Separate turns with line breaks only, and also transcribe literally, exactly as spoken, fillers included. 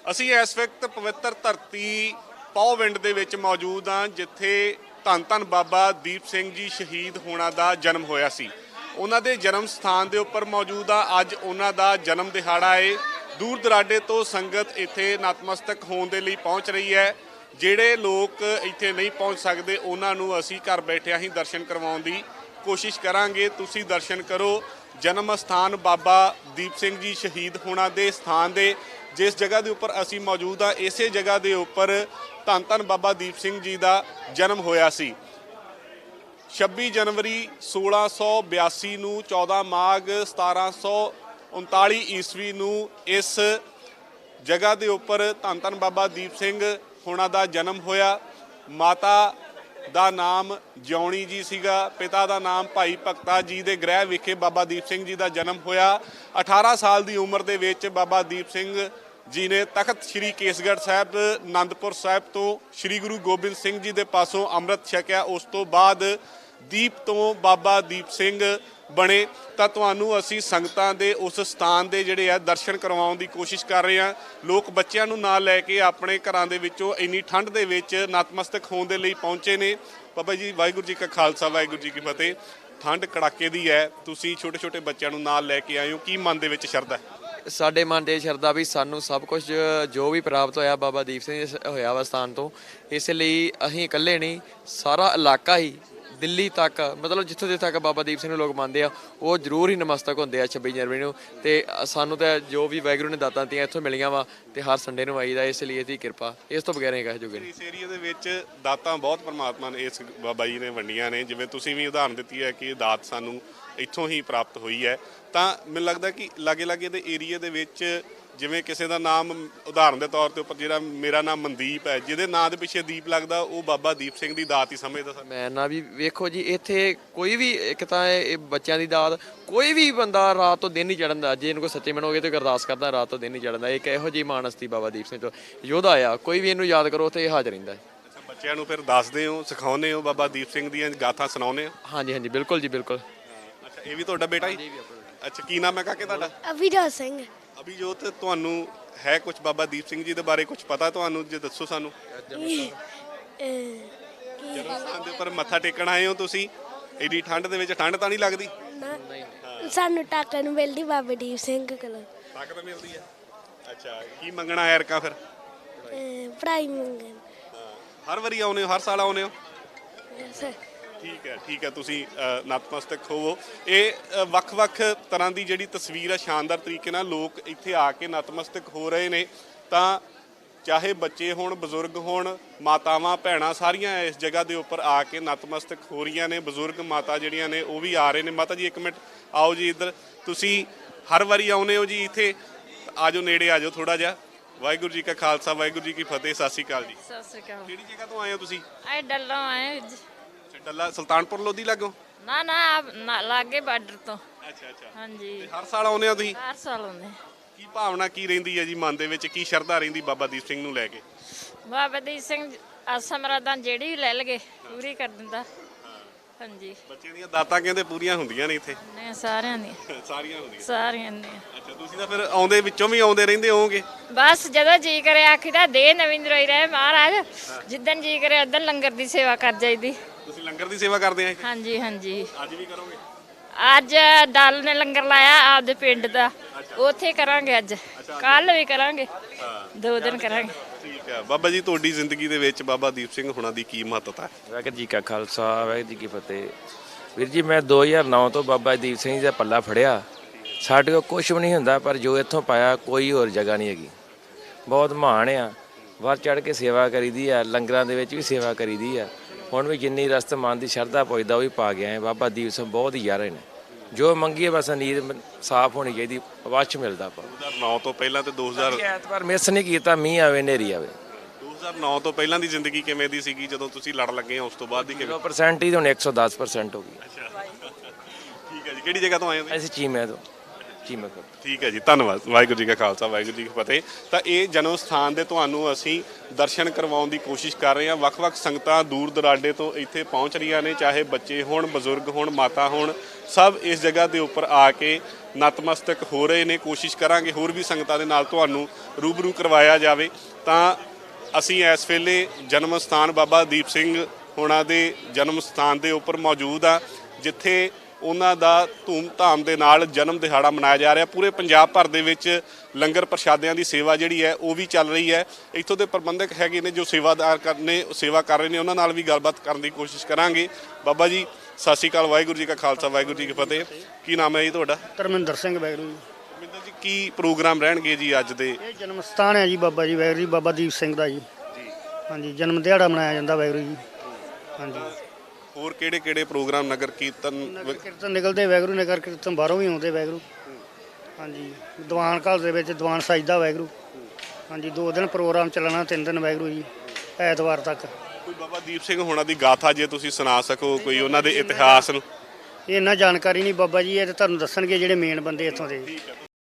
ਅਸੀਂ ਇਸ ਵਕਤ ਪਵਿੱਤਰ ਧਰਤੀ ਪੌਵਿੰਡ ਦੇ ਵਿੱਚ ਮੌਜੂਦ ਹਾਂ, ਜਿੱਥੇ ਧੰਨ ਧੰਨ ਬਾਬਾ ਦੀਪ ਸਿੰਘ ਜੀ ਸ਼ਹੀਦ ਹੋਣਾ ਦਾ ਜਨਮ ਹੋਇਆ ਸੀ। ਉਹਨਾਂ ਦੇ ਜਨਮ ਸਥਾਨ ਦੇ ਉੱਪਰ ਮੌਜੂਦ ਆ। ਅੱਜ ਉਹਨਾਂ ਦਾ ਜਨਮ ਦਿਹਾੜਾ ਹੈ। ਦੂਰ ਦਰਾਡੇ ਤੋਂ ਸੰਗਤ ਇੱਥੇ ਨਤਮਸਤਕ ਹੋਣ ਦੇ ਲਈ ਪਹੁੰਚ ਰਹੀ ਹੈ। ਜਿਹੜੇ ਲੋਕ ਇੱਥੇ ਨਹੀਂ ਪਹੁੰਚ ਸਕਦੇ ਉਹਨਾਂ ਨੂੰ ਅਸੀਂ ਘਰ ਬੈਠਿਆਂ ਹੀ ਦਰਸ਼ਨ ਕਰਵਾਉਣ ਦੀ ਕੋਸ਼ਿਸ਼ ਕਰਾਂਗੇ। ਤੁਸੀਂ ਦਰਸ਼ਨ ਕਰੋ ਜਨਮ ਸਥਾਨ ਬਾਬਾ ਦੀਪ ਸਿੰਘ ਜੀ ਸ਼ਹੀਦ ਹੋਣਾ ਦੇ ਸਥਾਨ ਦੇ। ਜਿਸ ਜਗ੍ਹਾ ਦੇ ਉੱਪਰ ਅਸੀਂ ਮੌਜੂਦ ਹਾਂ, ਇਸੇ ਜਗ੍ਹਾ ਦੇ ਉੱਪਰ ਧੰਨ ਧੰਨ ਬਾਬਾ ਦੀਪ ਸਿੰਘ ਜੀ ਦਾ ਜਨਮ ਹੋਇਆ ਸੀ। ਛੱਬੀ ਜਨਵਰੀ ਸੋਲਾਂ ਸੌ ਬਿਆਸੀ ਨੂੰ, ਚੌਦਾਂ ਮਾਘ ਸਤਾਰਾਂ ਸੌ ਉਨਤਾਲੀ ਈਸਵੀ ਨੂੰ ਇਸ ਜਗ੍ਹਾ ਦੇ ਉੱਪਰ ਧੰਨ ਧੰਨ ਬਾਬਾ ਦੀਪ ਸਿੰਘ ਹੋਣਾ ਦਾ ਜਨਮ ਹੋਇਆ। ਮਾਤਾ ਦਾ ਨਾਮ ਜਿਉਣੀ ਜੀ ਸੀਗਾ, ਪਿਤਾ ਦਾ ਨਾਮ ਭਾਈ ਭਗਤਾ ਜੀ ਦੇ ਗ੍ਰਹਿ ਵਿਖੇ ਬਾਬਾ ਦੀਪ ਸਿੰਘ ਜੀ ਦਾ ਜਨਮ ਹੋਇਆ। ਅਠਾਰਾਂ ਸਾਲ ਦੀ ਉਮਰ ਦੇ ਵਿੱਚ ਬਾਬਾ ਦੀਪ ਸਿੰਘ ਜੀ ਨੇ ਤਖਤ ਸ੍ਰੀ ਕੇਸਗੜ੍ਹ ਸਾਹਿਬ ਅਨੰਦਪੁਰ ਸਾਹਿਬ ਤੋਂ ਸ੍ਰੀ ਗੁਰੂ ਗੋਬਿੰਦ ਸਿੰਘ ਜੀ ਦੇ ਪਾਸੋਂ ਅੰਮ੍ਰਿਤ ਛਕਿਆ। ਉਸ ਤੋਂ ਬਾਅਦ ਦੀਪ ਤੋਂ ਬਾਬਾ ਦੀਪ ਸਿੰਘ ਬਣੇ। ਤਾਂ ਤੁਹਾਨੂੰ ਅਸੀਂ ਸੰਗਤਾਂ ਦੇ ਉਸ ਸਥਾਨ ਦੇ ਜਿਹੜੇ ਆ ਦਰਸ਼ਨ ਕਰਵਾਉਣ ਦੀ ਕੋਸ਼ਿਸ਼ ਕਰ ਰਹੇ ਹਾਂ। ਲੋਕ ਬੱਚਿਆਂ ਨੂੰ ਨਾਲ ਲੈ ਕੇ ਆਪਣੇ ਘਰਾਂ ਦੇ ਵਿੱਚੋਂ ਇੰਨੀ ਠੰਡ ਦੇ ਵਿੱਚ ਨਤਮਸਤਕ ਹੋਣ ਦੇ ਲਈ ਪਹੁੰਚੇ ਨੇ। ਬਾਬਾ ਜੀ ਵਾਹਿਗੁਰੂ ਜੀ ਕਾ ਖਾਲਸਾ ਵਾਹਿਗੁਰੂ ਜੀ ਕੀ ਫਤਿਹ। ਠੰਡ ਕੜਾਕੇ ਦੀ ਹੈ, ਤੁਸੀਂ ਛੋਟੇ ਛੋਟੇ ਬੱਚਿਆਂ ਨੂੰ ਨਾਲ ਲੈ ਕੇ ਆਏ ਹੋ, ਕੀ ਮਨ ਦੇ ਵਿੱਚ ਸ਼ਰਧਾ?
ਸਾਡੇ ਮਨ ਦੇ ਸ਼ਰਧਾ ਵੀ ਸਾਨੂੰ ਸਭ ਕੁਝ ਜੋ ਵੀ ਪ੍ਰਾਪਤ ਹੋਇਆ ਬਾਬਾ ਦੀਪ ਸਿੰਘ ਹੋਇਆ ਵਾ ਸਥਾਨ ਤੋਂ। ਇਸ ਲਈ ਅਸੀਂ ਇਕੱਲੇ ਨਹੀਂ, ਸਾਰਾ ਇਲਾਕਾ ਹੀ ਦਿੱਲੀ ਤੱਕ, ਮਤਲਬ ਜਿੱਥੋਂ ਦੇ ਤੱਕ ਬਾਬਾ ਦੀਪ ਸਿੰਘ ਨੂੰ ਲੋਕ ਮੰਨਦੇ ਆ ਉਹ ਜ਼ਰੂਰ ਹੀ ਨਮਸਤਕ ਹੁੰਦੇ ਆ ਛੱਬੀ ਜਨਵਰੀ ਨੂੰ। ਤੇ ਸਾਨੂੰ ਤਾਂ ਜੋ ਵੀ ਵਾਹਿਗੁਰੂ ਨੇ ਦਾਤਾਂ ਦਿੱਤੀਆਂ ਇੱਥੋਂ ਮਿਲੀਆਂ ਵਾ ਤੇ ਹਰ ਸੰਡੇ ਨੂੰ ਆਈਦਾ। ਇਸ ਲਈ ਇਹਦੀ ਕਿਰਪਾ, ਇਸ ਤੋਂ ਬਗੈਰ ਨਹੀਂ ਕਹਿ ਜੋਗੇ।
ਇਸ ਏਰੀਆ ਦੇ ਵਿੱਚ ਦਾਤਾਂ ਬਹੁਤ ਪਰਮਾਤਮਾ ਨੇ ਇਸ ਬਾਬਾ ਜੀ ਨੇ ਵੰਡੀਆਂ ਨੇ। ਜਿਵੇਂ ਤੁਸੀਂ ਵੀ ਉਦਾਹਰਨ ਦਿੱਤੀ ਹੈ ਕਿ ਦਾਤ ਸਾਨੂੰ ਇੱਥੋਂ ਹੀ ਪ੍ਰਾਪਤ ਹੋਈ ਹੈ। ਤਾਂ ਮੈਨੂੰ ਲੱਗਦਾ ਕਿ ਲਾਗੇ ਲਾਗੇ ਦੇ ਏਰੀਏ ਦੇ ਵਿੱਚ ਜਿਵੇਂ ਕਿਸੇ ਦਾ ਨਾਮ ਉਦਾਹਰਨ ਦੇ ਤੌਰ ਤੇ ਉੱਪਰ, ਜਿਹੜਾ ਮੇਰਾ ਨਾਮ ਮਨਦੀਪ ਹੈ, ਜਿਹਦੇ ਨਾਂ ਦੇ ਪਿੱਛੇ ਦੀਪ ਲੱਗਦਾ, ਉਹ ਬਾਬਾ ਦੀਪ ਸਿੰਘ ਦੀ ਦਾਤ ਹੀ ਸਮਝਦਾ ਸਰ।
ਮੈਂ ਨਾ ਵੀ ਵੇਖੋ ਜੀ, ਇੱਥੇ ਕੋਈ ਵੀ ਇੱਕ ਤਾਂ ਇਹ ਬੱਚਿਆਂ ਦੀ ਦਾਤ, ਕੋਈ ਵੀ ਬੰਦਾ ਰਾਤ ਤੋਂ ਦਿਨ ਹੀ ਚੜ੍ਹਨ ਦਾ, ਜੇ ਇਹਨੂੰ ਕੋਈ ਸੱਚੇ ਮਨੋਗੇ ਤੇ ਅਰਦਾਸ ਕਰਦਾ ਰਾਤ ਤੋਂ ਦਿਨ ਹੀ ਚੜ੍ਹਨ ਦਾ। ਇੱਕ ਇਹੋ ਜਿਹੀ ਮਾਨਸਤੀ ਬਾਬਾ ਦੀਪ ਸਿੰਘ ਤੋਂ ਯੋਧਾ ਆ, ਕੋਈ ਵੀ ਇਹਨੂੰ ਯਾਦ ਕਰੋ ਤੇ ਇਹ ਹਾਜ਼ਰ ਰਹਿੰਦਾ ਹੈ।
ਅੱਛਾ, ਬੱਚਿਆਂ ਨੂੰ ਫਿਰ ਦੱਸਦੇ ਹੋ, ਸਿਖਾਉਂਦੇ ਹੋ, ਬਾਬਾ ਦੀਪ ਸਿੰਘ ਦੀਆਂ ਗਾਥਾ ਸੁਣਾਉਂਦੇ ਹੋ?
ਹਾਂਜੀ ਹਾਂਜੀ ਬਿਲਕੁਲ ਜੀ ਬਿਲਕੁਲ।
ਅੱਛਾ, ਇਹ ਵੀ ਤੁਹਾਡਾ ਬੇਟਾ ਹੀ? ਅੱਛਾ, ਕੀ ਨਾਮ ਹੈ ਕਾਕੇ ਤੁਹਾਡਾ?
ਅਭਿਜੋਤ ਸਿੰਘ।
ਅਭਿਜੋਤ, ਤੁਹਾਨੂੰ ਹੈ ਕੁਝ ਬਾਬਾ ਦੀਪ ਸਿੰਘ ਜੀ ਦੇ ਬਾਰੇ ਕੁਝ ਪਤਾ ਤੁਹਾਨੂੰ? ਜੇ ਦੱਸੋ ਸਾਨੂੰ। ਜਨਮ ਸਥਾਨ ਦੇ ਉੱਪਰ ਮੱਥਾ ਟੇਕਣ ਆਏ ਹੋ ਤੁਸੀਂ, ਐਡੀ ਠੰਡ ਦੇ ਵਿੱਚ? ਠੰਡ ਤਾਂ ਨਹੀਂ ਲੱਗਦੀ?
ਸਾਨੂੰ ਟਾਕਾ ਨੂੰ ਮਿਲਦੀ ਬਾਬਾ ਦੀਪ ਸਿੰਘ ਕੋਲੋਂ।
ਤਾਕਤ ਮਿਲਦੀ ਹੈ। ਅੱਛਾ, ਕੀ ਮੰਗਣਾ ਐਰਕਾ ਫਿਰ?
ਪੜ੍ਹਾਈ ਮੰਗਣ।
ਹਰ ਵਾਰੀ ਆਉਨੇ ਹੋ? ਹਰ ਸਾਲ ਆਉਨੇ ਹੋ?
ਸਰ
ਠੀਕ ਹੈ ਠੀਕ ਹੈ, ਤੁਸੀਂ ਨਤਮਸਤਕ ਹੋਵੋ। ਇਹ ਵੱਖ-ਵੱਖ ਤਰ੍ਹਾਂ ਦੀ ਜਿਹੜੀ ਤਸਵੀਰ ਹੈ, ਸ਼ਾਨਦਾਰ ਤਰੀਕੇ ਨਾਲ ਲੋਕ ਇੱਥੇ ਆ ਕੇ ਨਤਮਸਤਕ ਹੋ ਰਹੇ ਨੇ। ਤਾਂ ਚਾਹੇ ਬੱਚੇ ਹੋਣ, ਬਜ਼ੁਰਗ ਹੋਣ, ਮਾਤਾਵਾਂ ਭੈਣਾਂ, ਸਾਰੀਆਂ ਇਸ ਜਗ੍ਹਾ ਦੇ ਉੱਪਰ ਆ ਕੇ ਨਤਮਸਤਕ ਹੋ ਰਹੀਆਂ ਨੇ। ਬਜ਼ੁਰਗ ਮਾਤਾ ਜਿਹੜੀਆਂ ਨੇ ਉਹ ਵੀ ਆ ਰਹੇ ਨੇ। ਮਾਤਾ ਜੀ ਇੱਕ ਮਿੰਟ ਆਓ ਜੀ ਇੱਧਰ। ਤੁਸੀਂ ਹਰ ਵਾਰੀ ਆਉਨੇ ਹੋ ਜੀ ਇੱਥੇ? ਆ ਜਾਓ, ਨੇੜੇ ਆ ਜਾਓ ਥੋੜਾ ਜਿਹਾ। ਵਾਹਿਗੁਰੂ ਜੀ ਕਾ ਖਾਲਸਾ ਵਾਹਿਗੁਰੂ ਜੀ ਕੀ ਫਤਿਹ। ਸਤਿ ਸ਼੍ਰੀ ਅਕਾਲ ਜੀ।
ਸਤਿ ਸ਼੍ਰੀ ਅਕਾਲ।
ਕਿਹੜੀ ਜਗ੍ਹਾ ਤੋਂ ਆਏ ਹੋ ਤੁਸੀਂ?
ਆਏ ਡੱਲੋਂ ਆਏ ਜੀ।
ਡੱਲਾ ਸੁਲਤਾਨਪੁਰ ਲੋਧੀ ਲੱਗੋ?
ਨਾ ਨਾ ਲਾਗੇ ਬਾਰਡਰ ਤੋਂ।
ਅੱਛਾ ਅੱਛਾ।
ਹਾਂਜੀ,
ਹਰ ਸਾਲ ਆਉਂਦੇ ਹੋ ਤੁਸੀਂ?
ਹਰ ਸਾਲ ਆਉਂਦੇ।
ਕੀ ਭਾਵਨਾ ਕੀ ਰਹਿੰਦੀ ਹੈ ਜੀ ਮਨ ਦੇ ਵਿੱਚ? ਕੀ ਸ਼ਰਧਾ ਰਹਿੰਦੀ ਬਾਬਾ ਦੀਪ ਸਿੰਘ ਨੂੰ ਲੈ ਕੇ?
ਬਾਬਾ ਦੀਪ ਸਿੰਘ ਆਸਾਂ ਮਰਾਦਾਂ ਜਿਹੜੀ ਵੀ ਲੈ ਲਗੇ ਪੂਰੀ ਕਰ ਦਿੰਦਾ। ਹਾਂਜੀ,
ਬੱਚਿਆਂ ਦੀਆਂ ਦਾਤਾਂ ਕਹਿੰਦੇ ਪੂਰੀਆਂ ਹੁੰਦੀਆਂ ਨੇ ਇੱਥੇ?
ਨੇ ਸਾਰਿਆਂ ਦੀਆਂ,
ਸਾਰੀਆਂ ਹੁੰਦੀਆਂ?
ਸਾਰਿਆਂ ਦੀਆਂ।
ਅੱਛਾ, ਤੁਸੀਂ ਤਾਂ ਫਿਰ ਆਉਂਦੇ ਵਿੱਚੋਂ ਵੀ ਆਉਂਦੇ ਰਹਿੰਦੇ ਹੋਵੋਗੇ?
ਬਸ ਜਦੋਂ ਜੀ ਕਰੇ ਆਖੀਦਾ ਦੇ ਨਵਿੰਦਰ ਹੋਈ ਰਹੇ ਮਹਾਰਾਜ, ਜਿੱਦਣ ਜੀ ਕਰੇ ਉਦੋਂ ਲੰਗਰ ਦੀ ਸੇਵਾ ਕਰ ਜਾਈਦੀ।
ਤੁਸੀਂ ਲੰਗਰ ਦੀ ਸੇਵਾ ਕਰਦੇ ਆ?
ਹਾਂਜੀ ਹਾਂਜੀ।
ਅੱਜ ਵੀ ਕਰੋਗੇ?
ਅੱਜ ਡੱਲ ਨੇ ਲੰਗਰ ਲਾਇਆ ਆਪਦੇ ਪਿੰਡ ਦਾ, ਉੱਥੇ ਕਰਾਂਗੇ। ਅੱਜ ਕੱਲ ਵੀ ਕਰਾਂਗੇ, ਦੋ ਦਿਨ ਕਰਾਂਗੇ।
ਠੀਕ ਹੈ। ਬਾਬਾ ਜੀ, ਤੁਹਾਡੀ ਜ਼ਿੰਦਗੀ ਦੇ ਵਿੱਚ ਬਾਬਾ ਦੀਪ ਸਿੰਘ ਹੋਣਾ ਦੀ ਕੀ ਮਹੱਤਤਾ ਹੈ?
ਵਾਹਿਗੁਰੂ ਜੀ ਕਾ ਖਾਲਸਾ ਵਾਹਿਗੁਰੂ ਜੀ ਕੀ ਫਤਿਹ। ਵੀਰ ਜੀ, ਮੈਂ ਦੋ ਹਜ਼ਾਰ ਨੌ ਤੋਂ ਬਾਬਾ ਦੀਪ ਸਿੰਘ ਜੀ ਦਾ ਪੱਲਾ ਫੜਿਆ। ਸਾਡੇ ਕੋਲ ਕੁਛ ਵੀ ਨਹੀਂ ਹੁੰਦਾ, ਪਰ ਜੋ ਇੱਥੋਂ ਪਾਇਆ ਕੋਈ ਹੋਰ ਜਗ੍ਹਾ ਨਹੀਂ ਹੈਗੀ। ਬਹੁਤ ਮਾਣ ਆ। ਵੱਧ ਚੜ੍ਹ ਕੇ ਸੇਵਾ ਕਰੀਦੀ ਆ, ਲੰਗਰਾਂ ਦੇ ਵਿੱਚ ਵੀ ਸੇਵਾ ਕਰੀਦੀ ਆ। ਹੁਣ ਵੀ ਜਿੰਨੀ ਰਸਤ ਮਨ ਦੀ ਸ਼ਰਧਾ ਪੁੱਜਦਾ ਉਹ ਵੀ ਪਾ ਗਿਆ ਹੈ। ਬਾਬਾ ਦੀਪ ਸਿੰਘ ਬਹੁਤ ਹੀ ਯਾਰੇ ਨੇ। ਜੋ ਮੰਗੀਏ ਬਸ ਨੀਂਦ ਸਾਫ਼ ਹੋਣੀ ਚਾਹੀਦੀ, ਅਵੱਛ ਮਿਲਦਾ ਆਪਾਂ।
ਦੋ ਹਜ਼ਾਰ ਨੌ ਤੋਂ ਪਹਿਲਾਂ ਤੇ ਦੋ ਹਜ਼ਾਰ
ਐਤਵਾਰ ਮਿਸ ਨਹੀਂ ਕੀਤਾ, ਮੀਂਹ ਆਵੇ ਹਨੇਰੀ ਆਵੇ।
ਦੋ ਹਜ਼ਾਰ ਨੌ ਤੋਂ ਪਹਿਲਾਂ ਦੀ ਜ਼ਿੰਦਗੀ ਕਿਵੇਂ ਦੀ ਸੀਗੀ? ਜਦੋਂ ਤੁਸੀਂ ਲੜ ਲੱਗੇ ਹੋ ਉਸ ਤੋਂ ਬਾਅਦ ਦੀ ਕਿਵੇਂ?
ਜ਼ੀਰੋ ਪਰਸੈਂਟ ਹੀ ਹੁਣ ਇੱਕ ਸੌ ਦਸ ਪਰਸੈਂਟ ਹੋ ਗਈ।
ਅੱਛਾ ਠੀਕ ਹੈ ਜੀ। ਕਿਹੜੀ ਜਗ੍ਹਾ ਤੋਂ ਆਏ ਹੋ?
ਅਸੀਂ ਚੀਮੇ ਤੋਂ। ਚੀਮਾ ਖੁਰਦ।
ਠੀਕ ਹੈ ਜੀ, ਧੰਨਵਾਦ। ਵਾਹਿਗੁਰੂ ਜੀ ਕਾ ਖਾਲਸਾ ਵਾਹਿਗੁਰੂ ਜੀ ਕੀ ਫਤਿਹ। ਤਾਂ ਇਹ ਜਨਮ ਸਥਾਨ ਦੇ ਤੁਹਾਨੂੰ ਅਸੀਂ ਦਰਸ਼ਨ ਕਰਵਾਉਣ ਦੀ ਕੋਸ਼ਿਸ਼ ਕਰ ਰਹੇ ਹਾਂ। ਵੱਖ-ਵੱਖ ਸੰਗਤਾਂ ਦੂਰ ਦਰਾਡੇ ਤੋਂ ਇੱਥੇ ਪਹੁੰਚ ਰਹੀਆਂ ਨੇ, ਚਾਹੇ ਬੱਚੇ ਹੋਣ, ਬਜ਼ੁਰਗ ਹੋਣ, ਮਾਤਾ ਹੋਣ, ਸਭ ਇਸ ਜਗ੍ਹਾ ਦੇ ਉੱਪਰ ਆ ਕੇ ਨਤਮਸਤਕ ਹੋ ਰਹੇ ਨੇ। ਕੋਸ਼ਿਸ਼ ਕਰਾਂਗੇ ਹੋਰ ਵੀ ਸੰਗਤਾਂ ਦੇ ਨਾਲ ਤੁਹਾਨੂੰ ਰੂਬਰੂ ਕਰਵਾਇਆ ਜਾਵੇ। ਤਾਂ ਅਸੀਂ ਇਸ ਵੇਲੇ ਜਨਮ ਸਥਾਨ ਬਾਬਾ ਦੀਪ ਸਿੰਘ ਹੋਣਾ ਦੇ ਜਨਮ ਸਥਾਨ ਦੇ ਉੱਪਰ ਮੌਜੂਦ ਆ, ਜਿੱਥੇ ਉਹਨਾਂ ਦਾ ਧੂਮ-ਧਾਮ ਦੇ ਨਾਲ ਜਨਮ ਦਿਹਾੜਾ ਮਨਾਇਆ ਜਾ ਰਿਹਾ। ਪੂਰੇ ਪੰਜਾਬ ਭਰ ਦੇ ਵਿੱਚ ਲੰਗਰ ਪ੍ਰਸ਼ਾਦਿਆਂ ਦੀ ਸੇਵਾ ਜਿਹੜੀ ਹੈ ਉਹ ਵੀ ਚੱਲ ਰਹੀ ਹੈ। ਇੱਥੋਂ ਦੇ ਪ੍ਰਬੰਧਕ ਹੈਗੇ ਨੇ ਜੋ ਸੇਵਾਦਾਰ ਕਰਨੇ ਸੇਵਾ ਕਰ ਰਹੇ ਨੇ, ਉਹਨਾਂ ਨਾਲ ਵੀ ਗੱਲਬਾਤ ਕਰਨ ਦੀ ਕੋਸ਼ਿਸ਼ ਕਰਾਂਗੇ। ਬਾਬਾ ਜੀ ਸਤਿ ਸ਼੍ਰੀ ਅਕਾਲ, ਵਾਹਿਗੁਰੂ ਜੀ ਕਾ ਖਾਲਸਾ ਵਾਹਿਗੁਰੂ ਜੀ ਕੀ ਫਤਿਹ। ਕੀ ਨਾਮ ਹੈ ਜੀ ਤੁਹਾਡਾ?
ਧਰਮਿੰਦਰ ਸਿੰਘ ਵਾਹਿਗੁਰੂ ਜੀ।
ਮਿੰਦਰ ਜੀ, ਕੀ ਪ੍ਰੋਗਰਾਮ ਰਹਿਣਗੇ ਜੀ ਅੱਜ ਦੇ?
ਇਹ ਜਨਮ ਸਥਾਨ ਹੈ ਜੀ ਬਾਬਾ ਜੀ ਵਾਹਿਗੁਰੂ ਜੀ, ਬਾਬਾ ਦੀਪ ਸਿੰਘ ਦਾ ਜੀ। ਹਾਂਜੀ, ਜਨਮ ਦਿਹਾੜਾ ਮਨਾਇਆ ਜਾਂਦਾ ਵਾਹਿਗੁਰੂ ਜੀ। ਹਾਂਜੀ,
ਹੋਰ ਕਿਹੜੇ ਕਿਹੜੇ ਪ੍ਰੋਗਰਾਮ? ਨਗਰ ਕੀਰਤਨ?
ਨਗਰ ਕੀਰਤਨ ਨਿਕਲਦੇ ਵਾਹਿਗੁਰੂ, ਨਗਰ ਕੀਰਤਨ ਬਾਹਰੋਂ ਵੀ ਆਉਂਦੇ ਵਾਹਿਗੁਰੂ। ਹਾਂਜੀ, ਦੀਵਾਨ ਘਰ ਦੇ ਵਿੱਚ ਦੀਵਾਨ ਸਜਦਾ ਵਾਹਿਗੁਰੂ। ਹਾਂਜੀ, ਦੋ ਦਿਨ ਪ੍ਰੋਗਰਾਮ ਚੱਲਣਾ, ਤਿੰਨ ਦਿਨ ਵਾਹਿਗੁਰੂ ਜੀ, ਐਤਵਾਰ ਤੱਕ।
ਕੋਈ ਬਾਬਾ ਦੀਪ ਸਿੰਘ ਹੋਣਾ ਦੀ ਗਾਥਾ ਜੇ ਤੁਸੀਂ ਸੁਣਾ ਸਕੋ, ਕੋਈ ਉਹਨਾਂ ਦੇ ਇਤਿਹਾਸ ਨੂੰ?
ਇਹ ਇੰਨਾ ਜਾਣਕਾਰੀ ਨਹੀਂ ਬਾਬਾ ਜੀ, ਇਹ ਤਾਂ ਤੁਹਾਨੂੰ ਦੱਸਣਗੇ ਜਿਹੜੇ ਮੇਨ ਬੰਦੇ ਇੱਥੋਂ ਦੇ।